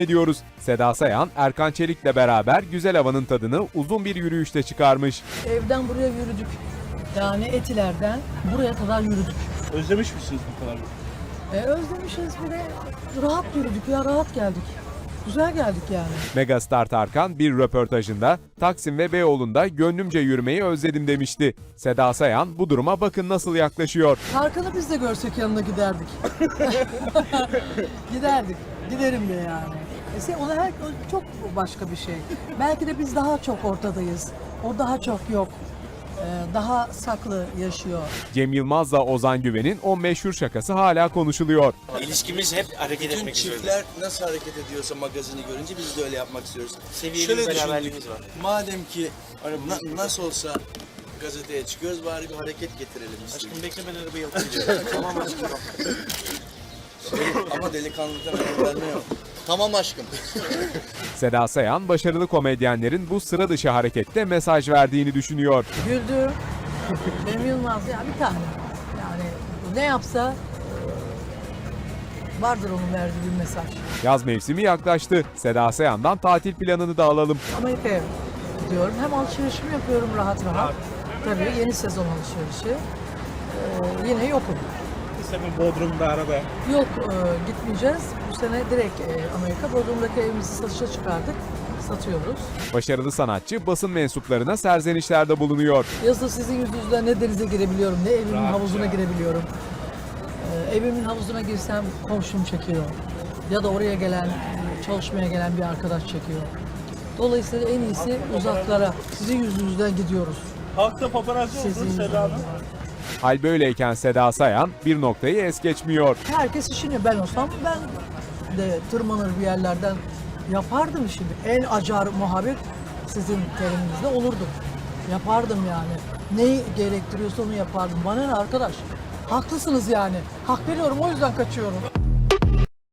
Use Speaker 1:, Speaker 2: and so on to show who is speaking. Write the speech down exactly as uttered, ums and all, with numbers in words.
Speaker 1: ediyoruz. Seda Sayan, Erkan Çelik'le beraber güzel havanın tadını uzun bir yürüyüşte çıkarmış.
Speaker 2: Evden buraya yürüdük. Yani Etiler'den buraya kadar yürüdük.
Speaker 3: Özlemiş misiniz bu kadar?
Speaker 2: E, özlemişiz bir de rahat yürüdük ya, rahat geldik. Güzel geldik yani.
Speaker 1: Megastar Tarkan bir röportajında Taksim ve Beyoğlu'nda gönlümce yürümeyi özledim demişti. Seda Sayan bu duruma bakın nasıl yaklaşıyor.
Speaker 2: Tarkan'ı biz de görsek yanına giderdik. giderdik. Giderim de yani. E, ona her çok başka bir şey. Belki de biz daha çok ortadayız. O daha çok yok. Ee, daha saklı yaşıyor.
Speaker 1: Cem Yılmaz'la Ozan Güven'in o meşhur şakası hala konuşuluyor.
Speaker 4: İlişkimiz hep hareket
Speaker 5: Bütün
Speaker 4: etmek istiyoruz.
Speaker 5: çiftler nasıl hareket ediyorsa magazini görünce biz de öyle yapmak istiyoruz.
Speaker 4: Seviyeli
Speaker 5: Şöyle
Speaker 4: bir
Speaker 5: düşündük,
Speaker 4: beraberliğimiz var.
Speaker 5: madem ki na- nasıl olsa gazeteye çıkıyoruz, bari bir hareket getirelim istedik.
Speaker 4: Aşkım bekle ben arabayı alıp gidiyorum. Tamam aşkım.
Speaker 5: Ama delikanlıdan öyle yok. Tamam aşkım.
Speaker 1: Seda Sayan, başarılı komedyenlerin bu sıra dışı harekette mesaj verdiğini düşünüyor.
Speaker 2: Güldü. Cem Yılmaz ya bir tane. Yani ne yapsa e, vardır onun verdiği bir mesaj.
Speaker 1: Yaz mevsimi yaklaştı. Seda Sayan'dan tatil planını da alalım.
Speaker 2: Amerika'ya gidiyorum. Hem alışverişimi yapıyorum rahat rahat. Tabii yeni sezon alışverişi. Ee, yine yokum.
Speaker 3: Bu sene Bodrum'da araba.
Speaker 2: Yok e, gitmeyeceğiz. Bu sene direkt e, Amerika. Bodrum'daki evimizi satışa çıkardık. Satıyoruz.
Speaker 1: Başarılı sanatçı basın mensuplarına serzenişlerde bulunuyor.
Speaker 2: Yazın sizin yüzünüzden ne denize girebiliyorum, ne evimin havuzuna girebiliyorum. Ee, evimin havuzuna girsem komşum çekiyor. Ya da oraya gelen, e, çalışmaya gelen bir arkadaş çekiyor. Dolayısıyla en iyisi uzaklara. Sizin yüzünüzden gidiyoruz.
Speaker 3: Halkta paparazzi
Speaker 2: Sizin
Speaker 3: oldu Seda
Speaker 2: yüzünüzden.
Speaker 3: Hanım.
Speaker 1: Hal böyleyken Seda Sayan bir noktayı es geçmiyor.
Speaker 2: Herkes işini, ben olsam ben de tırmanır bir yerlerden yapardım işimi. En acar muhabbet sizin teriminizde olurdu. Yapardım yani. Neyi gerektiriyorsa onu yapardım. Bana ne arkadaş? Haklısınız yani. Hak veriyorum, o yüzden kaçıyorum.